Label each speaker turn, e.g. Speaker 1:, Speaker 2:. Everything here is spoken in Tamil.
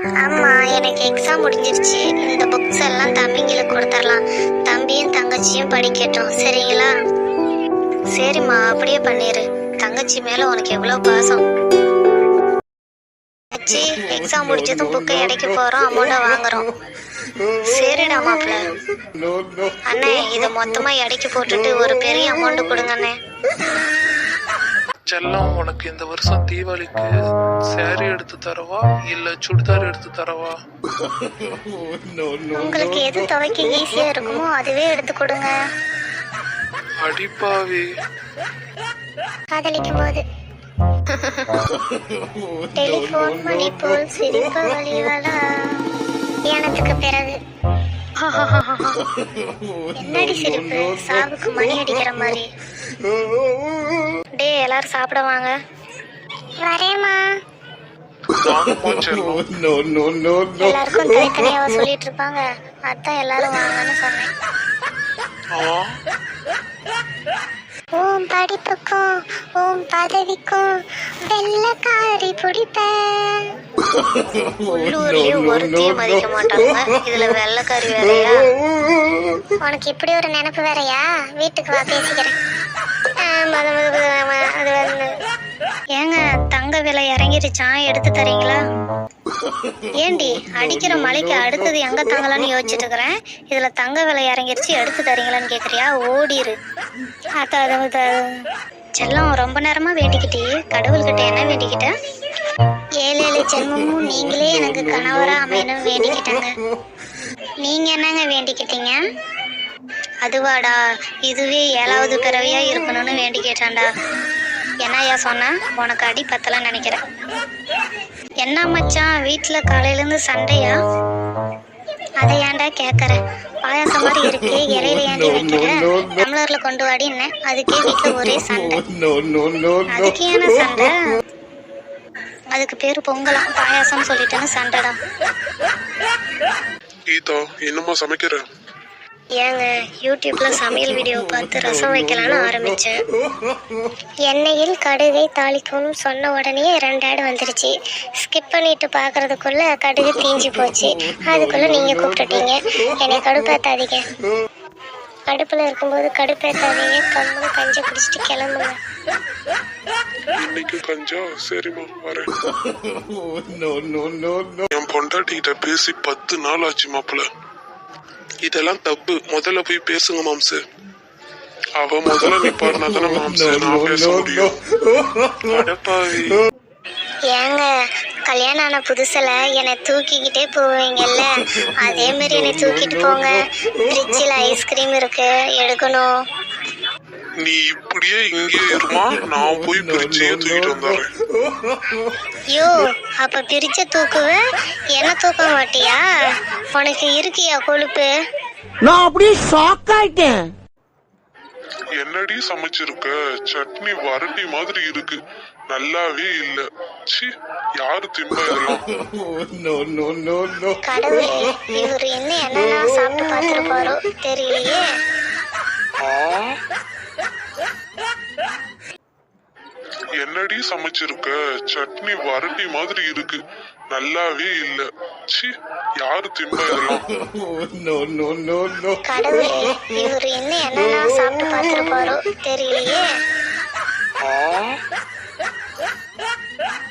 Speaker 1: ஆமா, எனக்கு எக்ஸாம் முடிஞ்சிருச்சு. இந்த புக்ஸ் எல்லாம் தம்பிங்களுக்கு கொடுத்துடலாம். தம்பியும் தங்கச்சியும் படிக்கட்டும், சரிங்களா? சரிம்மா, அப்படியே பண்ணிரு. தங்கச்சி மேல உனக்கு எவ்வளவு பாசம். எக்ஸாம் முடிச்சதும் புக்கை இடைக்க போறோம், அமௌண்ட வாங்குறோம். சரிடா மாப்பிள்ள. அண்ணே, இத மொத்தமா இடைக்கு போட்டுட்டு ஒரு பெரிய அமௌண்ட் கொடுங்க அண்ணே.
Speaker 2: செல்லம், உனக்கு இந்த வருஷம் தீபாவளிக்கு சாரி எடுத்து தரவா இல்ல சுடிதார் எடுத்து தரவா?
Speaker 1: உங்களுக்கு எது துவைக்க ஈஸியா இருக்குமோ அதுவே எடுத்து கொடுங்க.
Speaker 2: அடிப்பாவி.
Speaker 1: காதலிக்கும் போது டெலிபோன் மணி போல் சிரிப்பு வழிகளா தியானத்துக்கு பிறகு. என்னடி சிரிப்பு? சாவுக்கு மணி அடிக்கிற மாதிரி. டே, எல்லாரும் சாப்பிட வாங்க. வரேம்மா. எல்லாருக்கும் தனித்தனியாவ சொல்லிட்டு இருப்பாங்க, அதான் எல்லாரும் வாங்கன்னு சொன்னேன். ஓம் படிப்புக்கும் ஓம் பதவிக்கும் வெள்ளக்காரி பிடிப்பேன். உள்ளூர்லயே ஒருத்தையும் மதிக்க மாட்டாங்க, இதுல வெள்ளக்காரி வேறையா? உனக்கு இப்படி ஒரு நினைப்பு வேறையா? வீட்டுக்கு வா, பேசிக்கிறேன். அது வந்து ஏங்க, தங்க விலை இறங்கிருச்சான், எடுத்து தரீங்களா? ஏண்டி, அடிக்கிற மலைக்கு அடுத்தது எங்க தங்கலான்னு யோசிச்சுட்டு இருக்கிறேன். இதுல தங்க விலை இறங்கிருச்சு, எடுத்து தரீங்களான்னு கேக்குறியா? ஓடிரு. செல்லம், ரொம்ப நேரமா வேண்டிக்கிட்டே கடவுள்கிட்ட என்ன வேண்டிக்கிட்ட? 7 ஜென்மமும் நீங்களே எனக்கு கணவரா அமையணும் வேண்டிக்கிட்டாங்க. நீங்க என்னங்க வேண்டிக்கிட்டீங்க? அதுவாடா, இதுவே 7வது பிறவியா இருக்கணும்னு வேண்டி கேட்டான்டா. என்னையா சொன்ன? உனக்கு அடி பத்தலன்னு நினைக்கிறேன். என்ன மச்சான், வீட்டுல காலையில இருந்து சண்டையா? அதை ஏன்டா கேக்குற? பாயாசம் மாதிரி இருக்கு, இலையில ஏண்டி வைக்கிற? டம்ளர்ல கொண்டு வாடி என்ன? அதுக்கே வீட்டுல ஒரே சண்டை. அதுக்கு ஏன சண்டை? அதுக்கு பேரு பொங்கலாம், பாயாசம் சொல்லிட்டேன்னு சண்டைடா.
Speaker 2: கீதா, என்னமா சமைக்கிற?
Speaker 1: ஏங்க, யூடியூப்ல சமையல் வீடியோ பார்த்து ரசம் வைக்கலான்னு ஆரம்பிச்சேன். எண்ணெயில் கடுகை தாளிக்கணும்னு சொன்ன உடனே 2 ஆட் வந்துருச்சு. ஸ்கிப் பண்ணிட்டு பாக்குறதுக்குள்ள கடுகு தீஞ்சு போச்சு. அதுக்குள்ள நீங்க கூப்பிட்டுட்டீங்க. என்னை கடுப்பேத்தாதீங்க. அடுப்புல இருக்கும்போது கடுப்பேத்தாதீங்க. கம்முன்னு கஞ்ச குடிச்சிட்டு கிளம்புங்க.
Speaker 2: இன்னைக்கு கஞ்சா? சரிம்மா, வரேன். என் பொண்டாட்டிகிட்ட பேசி 10 நாள் ஆச்சு மாப்பிள்ள. இதெல்லாம் தப்பு. முதல்ல போய் பேசுங்க மாம்சு. அவ முதல்ல நிப்பாருனா தானே மாம்சு நான் பேச முடியும். அடப்பாவி.
Speaker 1: ஏங்க, கல்யாணம் ஆன புதுசுல என்னை தூக்கிக்கிட்டே போவீங்கல்ல, அதே மாதிரி என்னை தூக்கிட்டு போங்க. ஃப்ரிட்ஜில் ஐஸ்கிரீம் இருக்கு, எடுக்கணும்.
Speaker 2: நீ இப்படியே இங்கே இருமா, நான் போய் பிரிட்ஜையே தூக்கிட்டு வந்துடுறேன்.
Speaker 1: யோ, அப்ப பிரிச்ச தூக்குவ, என்ன தூக்க மாட்டியா? உனக்கு இருக்கியா கொழுப்பு?
Speaker 3: நான் அப்படியே ஷாக் ஆயிட்டேன்.
Speaker 2: என்னடி சமைச்சிருக்க? சட்னி வரட்டி மாதிரி இருக்கு, நல்லாவே இல்ல. சி, யாரு திம்பா இதெல்லாம்?
Speaker 1: கடவுளே, இவரு என்னெல்லாம் சாப்பிட்டு பார்த்துருப்பாரோ தெரியலையே.
Speaker 2: என்னடி சமைச்சிருக்க? சட்னி வரட்டி மாதிரி இருக்கு, நல்லாவே இல்ல. சி, யாரு திம்பா இதெல்லாம்?
Speaker 1: கடவுளே, இவரு என்னெல்லாம் சாப்பிட்டு பார்த்துருப்பாரோ தெரியலையே.